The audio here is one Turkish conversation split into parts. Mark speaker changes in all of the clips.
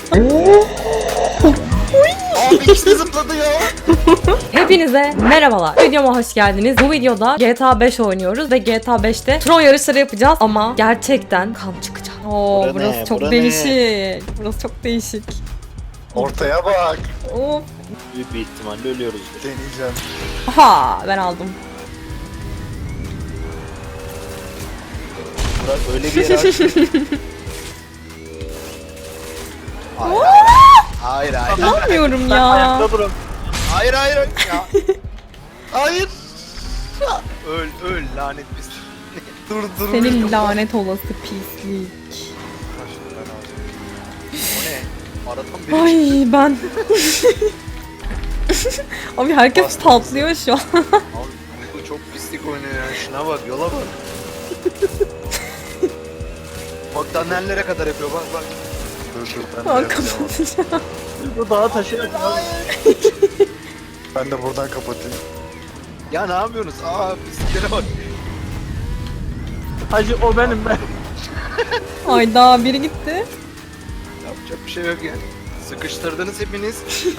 Speaker 1: Abi ikisi zıpladı ya.
Speaker 2: Hepinize merhabalar. Videoma hoş geldiniz. Bu videoda GTA 5 oynuyoruz ve GTA 5'te Tron yarışları yapacağız ama gerçekten kan çıkacak. Oo, burası çok değişik. Burası çok değişik.
Speaker 1: Ortaya bak.
Speaker 2: Of.
Speaker 3: Büyük bir ihtimalle ölüyoruz.
Speaker 1: Deneyeceğim.
Speaker 2: Aha, ben aldım.
Speaker 3: Burak öyle bir yere açtı. Hayır hayır.
Speaker 2: Anlamıyorum ya.
Speaker 3: Ayakta durun. Hayır hayır. Ya. Hayır. Öl lanet biz.
Speaker 1: Dur.
Speaker 2: Senin lanet olası pislik.
Speaker 3: O ne? Aradan biri
Speaker 2: Ay ben. Abi herkes patlıyor şu an.
Speaker 3: Abi bu çok pislik oynuyor ya. Şuna bak, yola bak. Bak daha nerelere kadar yapıyor, bak bak.
Speaker 1: Dur ben de
Speaker 2: Aa,
Speaker 1: yapacağım.
Speaker 2: kapatacağım.
Speaker 4: Bu dağa taşıyarak
Speaker 1: Ben de buradan kapatayım.
Speaker 3: Ya ne yapıyorsunuz? Aa pisliklere bak.
Speaker 4: Hacı o benim ben.
Speaker 2: Hayda, biri gitti.
Speaker 3: Yapacak bir şey yok ya. Sıkıştırdınız hepiniz.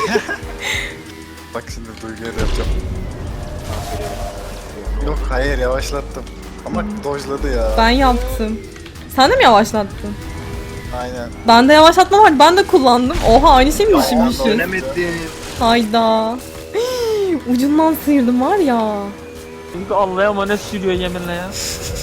Speaker 1: Bak şimdi Duygu'ya da yapacağım. Yok hayır yavaşlattım. Ama dojladı ya.
Speaker 2: Ben yaptım. Sen de mi yavaşlattın?
Speaker 1: Aynen.
Speaker 2: Bende yavaşlatma var. Ben de kullandım. Oha, aynı şey mi düşünmüşüz?
Speaker 3: Dönemedin.
Speaker 2: Hayda. Ucundan sıyırdım var ya.
Speaker 4: Çünkü Allah'a emanet sürüyor yeminle ya.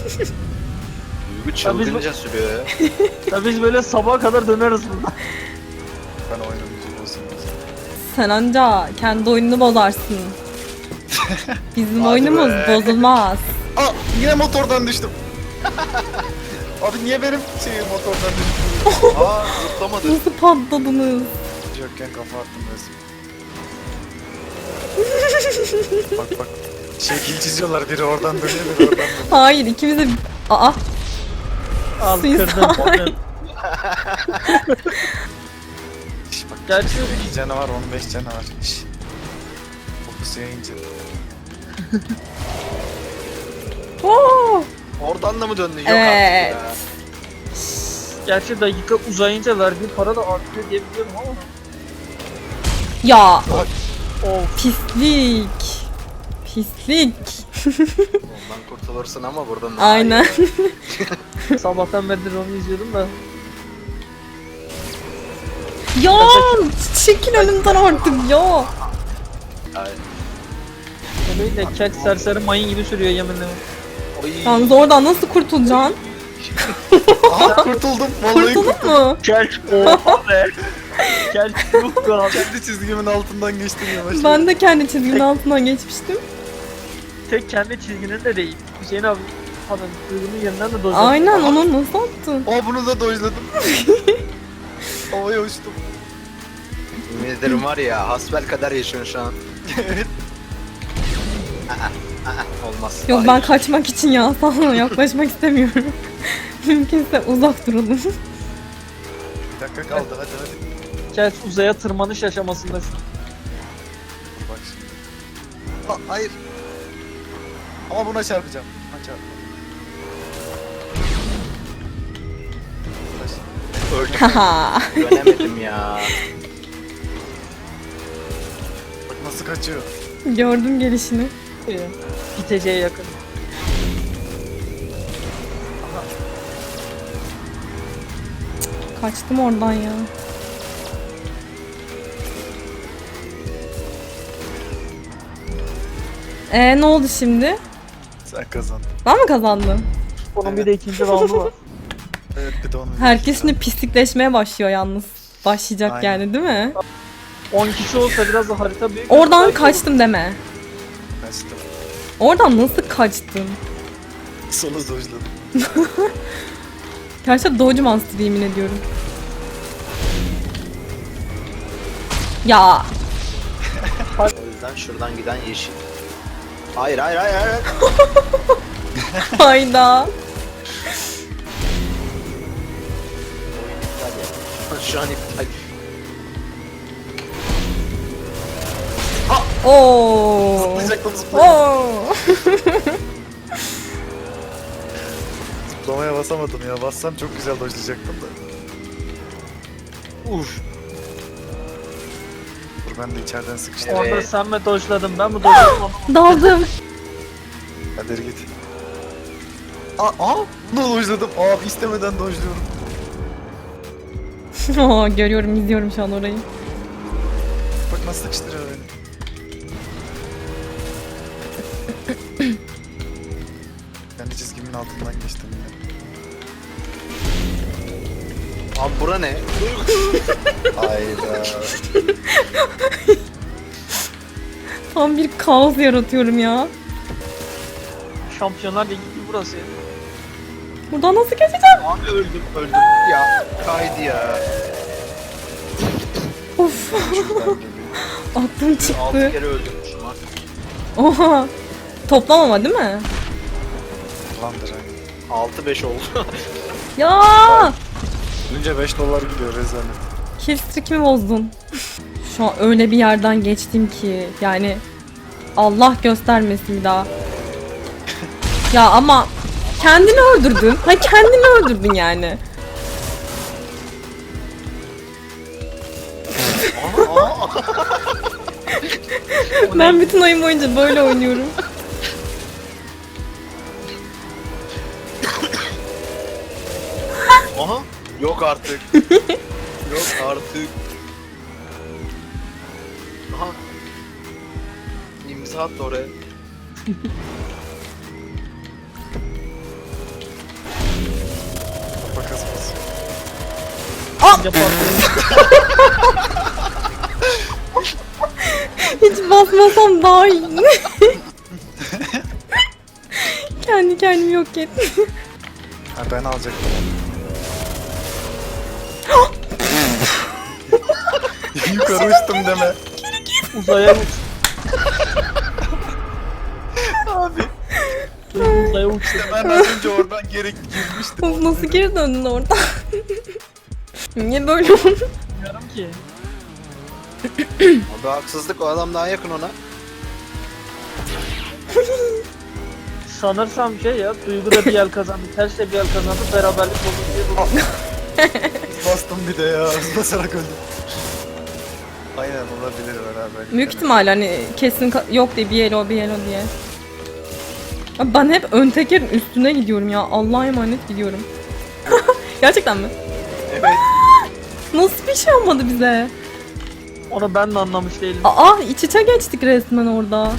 Speaker 3: Duygu çılgınca sürüyor ya.
Speaker 4: Ya biz böyle sabaha kadar döneriz burada.
Speaker 1: Ben oynamayacağım olsun.
Speaker 2: Sen anca kendi oyununu bozarsın. Bizim
Speaker 3: Hadi
Speaker 2: oyunumuz
Speaker 3: be.
Speaker 2: bozulmaz.
Speaker 1: Aa yine motordan düştüm. Abi niye benim motordan düştüm?
Speaker 3: Aa zıplamadı.
Speaker 2: Nasıl patladınız?
Speaker 1: Yokken kafa attım resmen. Bak. Şekil çiziyorlar, biri oradan dönüyor biri oradan dönüyor.
Speaker 2: Hayır, ikimiz de... Aa,
Speaker 4: Al
Speaker 2: Suicide.
Speaker 4: kırdım.
Speaker 1: Şş, bak
Speaker 4: Gerçi
Speaker 1: 2 canavar 15 canavar. Şş. Fokus yayınca.
Speaker 2: oo.
Speaker 3: Oradan da mı döndün? Yok
Speaker 2: Evet.
Speaker 3: artık ya.
Speaker 4: gerçi dakika uzayınca verdiği para da artıyor diye biliyorum ama.
Speaker 2: Ya,
Speaker 4: Of.
Speaker 2: pislik. Pislik.
Speaker 3: Ondan kurtulursun ama buradan daha
Speaker 2: Aynen.
Speaker 3: iyi.
Speaker 4: Sabahtan beridir onu izliyordum da.
Speaker 2: Ya, çekil önümden artık ya.
Speaker 3: Ay.
Speaker 4: Öyle de kel serseri mayın gibi sürüyor yeminle.
Speaker 3: Oy.
Speaker 2: Yalnız oradan nasıl kurtulacaksın?
Speaker 1: Aa kurtuldum. Vallahi
Speaker 2: Kurtuldun
Speaker 1: kurtuldum.
Speaker 2: mu?
Speaker 4: Kel oha be. Kel yok be abi.
Speaker 1: Kendi çizgimin altından geçtim yavaş.
Speaker 2: Ben de kendi çizgimin altından geçmiştim.
Speaker 4: Tek kendi çizginin de değil. Hüseyin abi. Adam duygunun yerinden de dozladı.
Speaker 2: Aynen, onu nasıl attın?
Speaker 1: Aa bunu da dojladım. Havaya uçtum.
Speaker 3: Yemin ederim var ya, hasbel kadar yaşıyorsun şu an.
Speaker 1: Evet.
Speaker 3: Olmaz.
Speaker 2: Yok,
Speaker 3: Hayır.
Speaker 2: ben kaçmak için ya, sana yaklaşmak istemiyorum. Mümkünse uzak duralım.
Speaker 1: Bir dakika kaldı hadi.
Speaker 4: Kel uzaya tırmanış aşamasında şu.
Speaker 1: Bak şimdi. Aa, hayır. Ama buna çarpacağım. Buna çarpacağım.
Speaker 3: Öldüm.
Speaker 2: Haha.
Speaker 3: Dönemedim ya.
Speaker 1: Bak nasıl kaçıyor.
Speaker 2: Gördüm gelişini.
Speaker 4: Biteceğe yakın.
Speaker 2: Kaçtım oradan ya. Ne oldu şimdi?
Speaker 1: Sen kazandın.
Speaker 2: Ben mi kazandım?
Speaker 4: Onun bir de ikinci roundu var.
Speaker 1: Evet bir de onu.
Speaker 2: Herkes şimdi pislikleşmeye başlıyor yalnız. Başlayacak
Speaker 1: Aynen.
Speaker 2: yani, değil mi?
Speaker 4: 10 kişi olsa biraz da harita büyük.
Speaker 2: Oradan
Speaker 4: Belki
Speaker 2: kaçtım deme.
Speaker 1: Kaçtım.
Speaker 2: Oradan nasıl kaçtın?
Speaker 1: Solu dojladım.
Speaker 2: Gerçekten Doge Monster, yemin ediyorum. Ya.
Speaker 3: O yüzden şuradan giden yeşil. Hayır.
Speaker 2: Hayda.
Speaker 3: Şu an iptal.
Speaker 2: Oo.
Speaker 1: Zıplayacaktım zıplayacaktım.
Speaker 2: Oo.
Speaker 1: Zıplamaya basamadım ya. Bassam çok güzel dojlayacaktım da. Uf. Dur ben de içeriden sıkıştım.
Speaker 3: Evet.
Speaker 4: Orada sen mi dojladın ben mi dojladım?
Speaker 2: Daldım.
Speaker 1: Hadi git. Aa, bunu dojladım. Abi istemeden dojluyorum.
Speaker 2: Aa, görüyorum, izliyorum şu an orayı.
Speaker 1: Bak nasıl sıkıştırıyor beni. Kendi çizgimin altından geçtim yine.
Speaker 3: Abi bura ne?
Speaker 1: Hayda.
Speaker 2: Tam bir kaos yaratıyorum ya.
Speaker 4: Şampiyonlar Ligi gibi burası ya.
Speaker 2: Buradan nasıl geçeceğim?
Speaker 3: Abi öldüm ya. Kaydı ya.
Speaker 2: Of.
Speaker 1: Şuradan geliyor.
Speaker 2: Aklım
Speaker 3: 6
Speaker 2: çıktı.
Speaker 3: kere öldürmüşüm artık.
Speaker 2: Oha. Toplam ama değil mi?
Speaker 1: Landır hani.
Speaker 3: 6-5 oldu.
Speaker 2: Ya.
Speaker 1: Önce $5 gidiyor rezalet.
Speaker 2: Kill streak'imi bozdun. Şu an öyle bir yerden geçtim ki yani Allah göstermesin bir daha. Ya ama kendini öldürdün. Ha, kendini öldürdün yani. Ben bütün oyun boyunca böyle oynuyorum.
Speaker 3: Aha. Yok artık. Yok artık. Aha. İmza attı oraya.
Speaker 1: Kafa kasması.
Speaker 4: Bence patlayın.
Speaker 2: Hiç basmasam daha iyi. Kendi kendimi yok ettim.
Speaker 1: Ha ben alacaktım onu. Yukarı uçtum deme.
Speaker 4: Uzaya uç.
Speaker 1: Abi
Speaker 4: Uzaya uç.
Speaker 1: ben az önce oradan geri girmiştim.
Speaker 2: Of, nasıl geri döndün oradan? Niye böyle oldu?
Speaker 4: Bilmiyorum ki.
Speaker 3: Abi haksızlık, o adam daha yakın ona.
Speaker 4: Sanırsam şey ya, Duygu da bir el kazandı, Ters de bir el kazandı, beraberlik oldu diye bu.
Speaker 1: Bastım bir de ya. Basarak öldüm. Aynen olabilir beraber.
Speaker 2: Büyük ihtimalle hani kesin yok diye bir elo diye. Abi ben hep ön tekerin üstüne gidiyorum ya. Allah'a emanet gidiyorum. Gerçekten mi?
Speaker 3: Evet.
Speaker 2: Nasıl bir şey olmadı bize?
Speaker 4: Onu ben de anlamış değilim.
Speaker 2: Aa, iç içe geçtik resmen orada.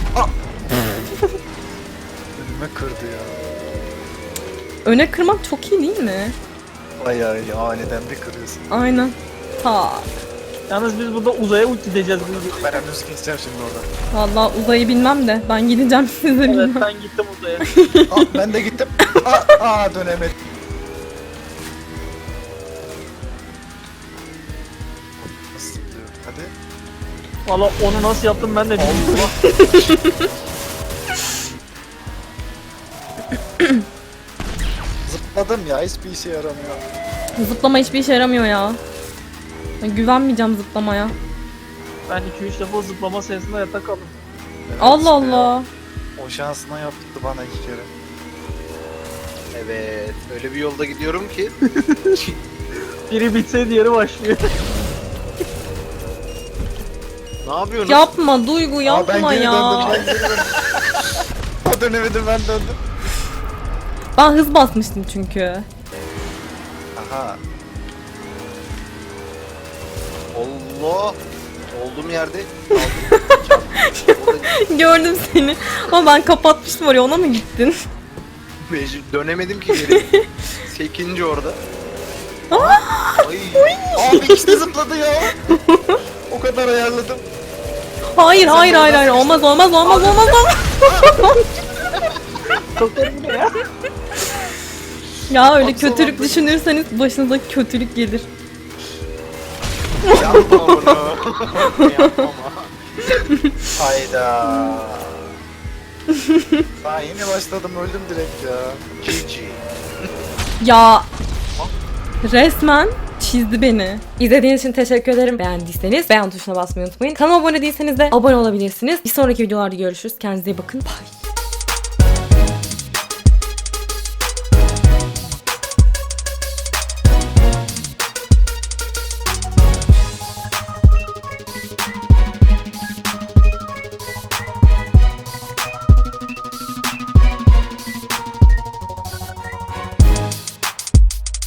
Speaker 1: Önüme kırdı ya.
Speaker 2: Öne kırmak çok iyi değil mi?
Speaker 1: Bayağı iyi. Aniden bir kırıyorsun.
Speaker 2: Aynen. Ta.
Speaker 4: Yalnız biz burada uzaya uç gideceğiz. Biz.
Speaker 1: Ben henüz geçeceğim şimdi oradan.
Speaker 2: Vallahi uzayı bilmem de ben gideceğim, siz de
Speaker 4: Evet,
Speaker 2: bilmem.
Speaker 4: ben gittim uzaya.
Speaker 1: Ben de gittim. Dönemedim. Nasıl zıplıyor? Hadi.
Speaker 4: Valla onu nasıl yaptım ben de bilmiyorum.
Speaker 1: Zıpladım ya. Hiçbir işe yaramıyor.
Speaker 2: Zıplama hiçbir işe yaramıyor ya. Ben güvenmeyeceğim zıplamaya.
Speaker 4: Ben 2-3 defa zıplama sayesinde yatak kaldım.
Speaker 1: Evet,
Speaker 2: Allah
Speaker 1: ya.
Speaker 2: Allah.
Speaker 1: O şansına yaptı bana 2 kere.
Speaker 3: Evet. Öyle bir yolda gidiyorum ki.
Speaker 4: Biri bitse diğeri başlıyor.
Speaker 3: Ne yapıyorsunuz?
Speaker 2: Yapma Duygu,
Speaker 1: Ben
Speaker 2: yapma
Speaker 1: geri
Speaker 2: ya.
Speaker 1: döndüm. Ben geri döndüm. O dönemedim, ben döndüm.
Speaker 2: Ben hız basmıştım çünkü.
Speaker 1: Aha.
Speaker 3: Allah. Olduğum yerde kaldım. Orada
Speaker 2: Gördüm seni. Ama ben kapatmıştım oraya, ona mı gittin?
Speaker 3: dönemedim ki geri. 8. orada. Ay.
Speaker 1: Abi ikisi de zıpladı ya. O kadar ayarladım.
Speaker 2: Hayır. Olmaz. Ya öyle
Speaker 1: Baksana
Speaker 2: kötülük
Speaker 1: be.
Speaker 2: düşünürseniz başınıza kötülük gelir.
Speaker 3: Yapma bunu. Yapma.
Speaker 1: Hayda. Daha yeni başladım, öldüm direkt ya.
Speaker 3: GG.
Speaker 2: Ya resmen çizdi beni. İzlediğiniz için teşekkür ederim. Beğendiyseniz beğen tuşuna basmayı unutmayın. Kanalıma abone değilseniz de abone olabilirsiniz. Bir sonraki videolarda görüşürüz. Kendinize iyi bakın. Bye.